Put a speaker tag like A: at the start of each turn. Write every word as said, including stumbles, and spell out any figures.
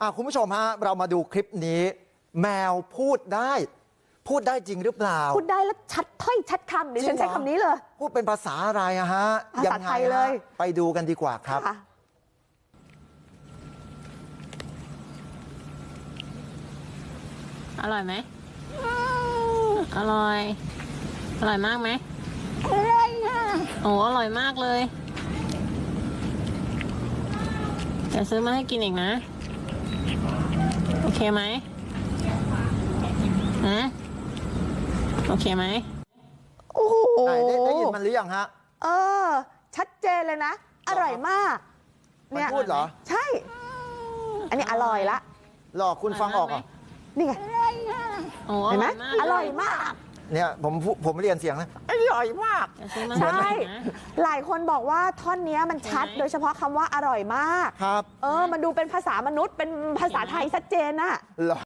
A: อ่ะคุณผู้ชมฮะเรามาดูคลิปนี้ แมวพูดได้ พูดได้จริงหรือเปล่า
B: พูดได้แล้วชัดถ้อยชัดคำดิฉันใช้คำนี้เลย
A: พูดเป็นภาษาอะไรอะฮะ
B: ภาษาไทยเลย
A: ไปดูกันดีกว่าครับ
C: อร่อยไหมอร่อยอร่อยมากไหม
B: อร่อยค่ะ
C: โอ้อร่อยมากเลยเดี๋ยวซื้อมาให้กินอีกนะโอเคไหมฮะโอเคไหม
B: โอ้โห
A: ได้ได้ยินมันหรือยังฮะ
B: เออชัดเจนเลยนะอร่อยมาก
A: เนี่ยพูดเหรอ
B: ใช่อันนี้อร่อยละ
A: หลอกคุณฟังออกเหรอ
B: นี่ไงเห็นไหมอร่อยมาก
A: เนี่ยผมผมเรียนเสียงนะอร่อยมาก
B: ใช่หลายคนบอกว่าท่อนนี้มันชัดโดยเฉพาะคำว่าอร่อยมาก
A: ครับ
B: เออมันดูเป็นภาษามนุษย์เป็นภาษาไทยชัดเจนอะ